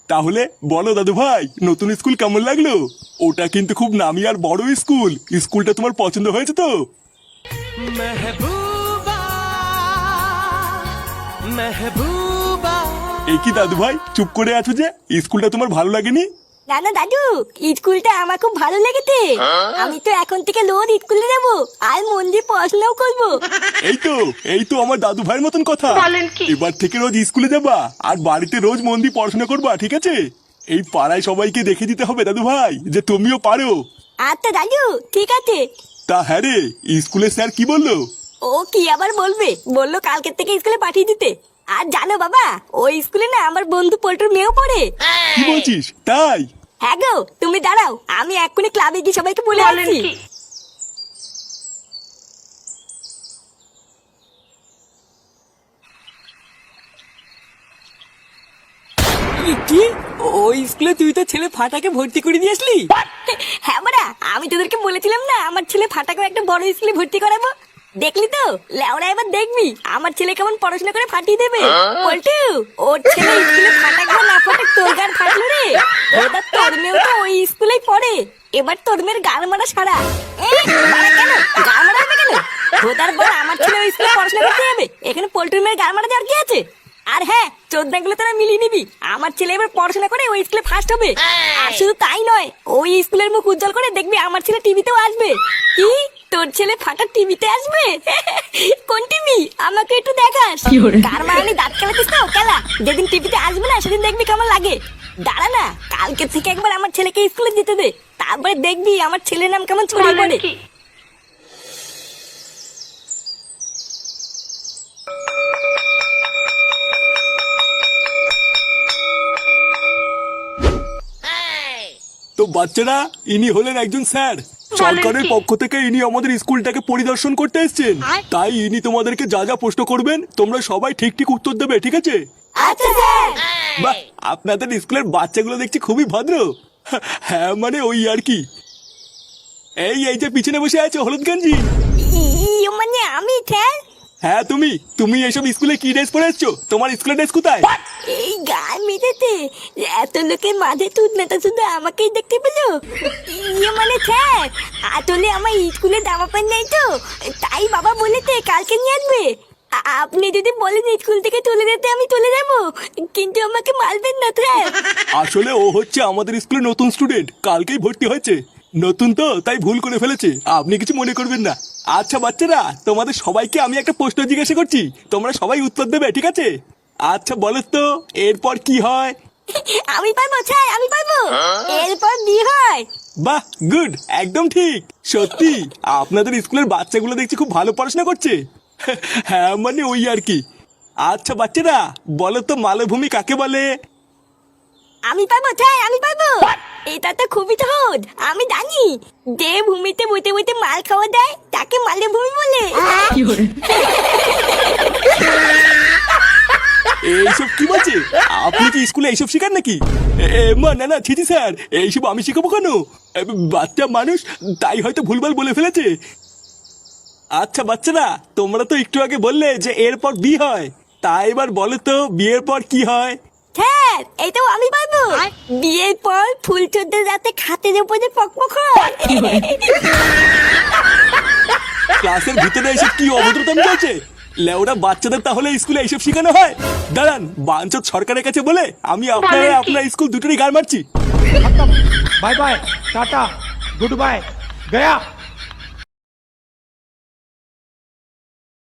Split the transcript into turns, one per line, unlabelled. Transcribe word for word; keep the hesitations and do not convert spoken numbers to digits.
তাহলে বলো দাদু ভাই, নতুন স্কুল কেমন লাগলো? ওটা কিন্তু খুব নামি আর বড় স্কুল। স্কুলটা তোমার পছন্দ হয়েছে তো?
মেহবুবা মেহবুবা।
এই কি দাদু ভাই, চুপ করে আছো যে? স্কুলটা তোমার ভালো লাগেনি?
না না দাদু, স্কুলটা আমার খুব ভালো লেগেছে। আমি তো এখন থেকে রোজ স্কুলে যাবো আর মন দিয়ে পড়াশোনাও করবো।
এই তো এই তো আমার দাদু ভাইয়ের মতন কথা। এবার থেকে রোজ স্কুলে যাবা আর বাড়িতে রোজ মন দিয়ে পড়াশোনা করবা, ঠিক আছে? এই পাড়ায় সবাইকে দেখে দিতে হবে দাদু ভাই যে তুমিও পারো।
আচ্ছা দাদু, ঠিক আছে।
তা হ্যাঁ রে, স্কুলের স্যার কি বললো?
ও কি আবার বলবে, বললো কালকের থেকে স্কুলে পাঠিয়ে দিতে। আর জানো বাবা, ওই স্কুলে না আমার বন্ধু পল্টুর মেয়েও পড়ে।
কি বলছিস? তাই?
হ্যাঁ গো, তুমি দাঁড়াও, আমি এক্ষুনি ক্লাবে গিয়ে সবাইকে বলে আসছি।
কি ওই স্কুলে তুই তো ছেলে ফাটাকে ভর্তি করে দিয়ে আসলি?
হ্যাঁ বড়া, আমি তোদেরকে বলেছিলাম না আমার ছেলে ফাটাকে একটা বড় স্কুলে ভর্তি করাবো। দেখলি তো লেওরা, এবার দেখবি আমার ছেলে কেমন পড়াশোনা করে ফাটিয়ে দেবে। পল্টু, ওর ছেলে স্কুলে ফাটাক বা না ফাটাক তোর গান ফাটলো রে। এবার তোর মেয়েও তো ওই স্কুলেই পড়ে। এবার তোর মেয়ের গান মারা সারা। এ, মারা কেন? গান মারা হবে কেন? ভোদার পর আমার ছেলে ওই স্কুলে পড়াশোনা করতে যাবে, এখানে পল্টুর মেয়ের গান মারা যাওয়ার কি আছে? আর হ্যাঁ, চোদ্দাগুলো তোরা মিলিয়ে নিবি, আমার ছেলে এবার পড়াশোনা করে ওই স্কুলে ফার্স্ট হবে। আর শুধু তাই নয়, ওই স্কুলের মুখ উজ্জ্বল করে দেখবি আমার ছেলে টিভিতেও আসবে। কি, তোর ছেলে ফাটা টিভিতে আসবে? কোন টিভি? আমাকে একটু দেখাস। কার মানে দাঁত খেলাতিস তো খেলা, যেদিন টিভিতে আসবে না সেদিন দেখবি কেমন লাগে। দাঁড়া না, কালকে থেকে একবার আমার ছেলেকে স্কুলে যেতে দে, তারপরে দেখবি আমার ছেলের নাম কেমন ছড়িয়ে পড়ে।
তো বাচ্চারা, ইনি হলেন একজন স্যার। সরকারের পক্ষ থেকে ইনি আমাদের স্কুলটাকে পরিদর্শন করতে এসেছেন। তাই ইনি তোমাদেরকে যা যা প্রশ্ন করবেন তোমরা সবাই ঠিক ঠিক উত্তর দেবে, ঠিক আছে?
আচ্ছা স্যার।
বাহ, আপনাদের স্কুলের বাচ্চাগুলো দেখছি খুবই ভদ্র। হ্যাঁ মানে ওই আর কি। এই এই যে পিছনে বসে আছো হলুদ গঞ্জি,
ইয়ে মানে আমি স্যার?
হ্যাঁ তুমি। তুমি এইসব স্কুলে কি ড্রেস পরে এসছো? তোমার স্কুলের ড্রেস কোথায়?
এই গান মেটাতে এত লোকের মাঝে তুই নেতা শুধু আমাকেই দেখতে পেলো। ইয়ে মানে স্যার, আসলে আমার স্কুলে জামা প্যান্ট নেই তো, তাই বাবা বলেছে কালকে নিয়ে আসবে। আ- আপনি যদি বলেন স্কুল থেকে তুলে দিতে আমি তুলে দেবো, কিন্তু আমাকে মারবেন না স্যার।
আসলে ও হচ্ছে আমাদের স্কুলে নতুন স্টুডেন্ট, কালকেই ভর্তি হয়েছে। নতুন তো তাই ভুল করে ফেলেছে, আপনি কিছু মনে করবেন না। আচ্ছা বাচ্চারা, তোমাদের সবাইকে আমি একটা প্রশ্ন জিজ্ঞাসা করছি, তোমরা সবাই উত্তর দেবে, ঠিক আছে? আচ্ছা বলো তো, এরপর কি হয়?
আমি পারবো স্যার, আমি পারবো। এরপর বিয়ে হয়।
বাহ, গুড, একদম ঠিক। সত্যি আপনাদের স্কুলের বাচ্চাগুলো দেখছি খুব ভালো পড়াশোনা করছে। হ্যাঁ মানে ওই আর কি। আচ্ছা বাচ্চারা, বলো তো মালভূমি কাকে বলে?
আমি পারবো স্যার, আমি পারবো। এটা তো খুবই সহজ, আমি জানি। যে ভূমিতে বইতে বইতে মাল খাওয়া দেয় তাকে মালভূমি বলে।
এইসব কি বলছে? আপনি কি স্কুলে এইসব শেখান নাকি? এ, এ, মা না না, ছিটি স্যার, এইসব আমি শেখাবো কেন? এ, বাচ্চা মানুষ, তাই হয়তো ভুলভাল বলে ফেলেছে। আচ্ছা বাচ্চারা, তোমরা তো একটু আগে বললে যে এরপর বিয়ে হয়, তাই এবার বলো তো বিয়ের পর কি হয়?
স্যার, এটাও আমি পারবো। বিয়ের পর ফুল চোদ্দের রাতে খাতের উপরে পকপক হয়।
ক্লাসের ভিতরে এসব কি অভদ্রতাম চলছে? লেওরা বাচ্চাদের তাহলে স্কুলে এইসব শেখানো হয়? দাঁড়ান, বাঞ্চত সরকারের কাছে বলে আমি আপনার আপনার স্কুল দুটোরই গাড় মারছি।
Bye bye tata good bye गया।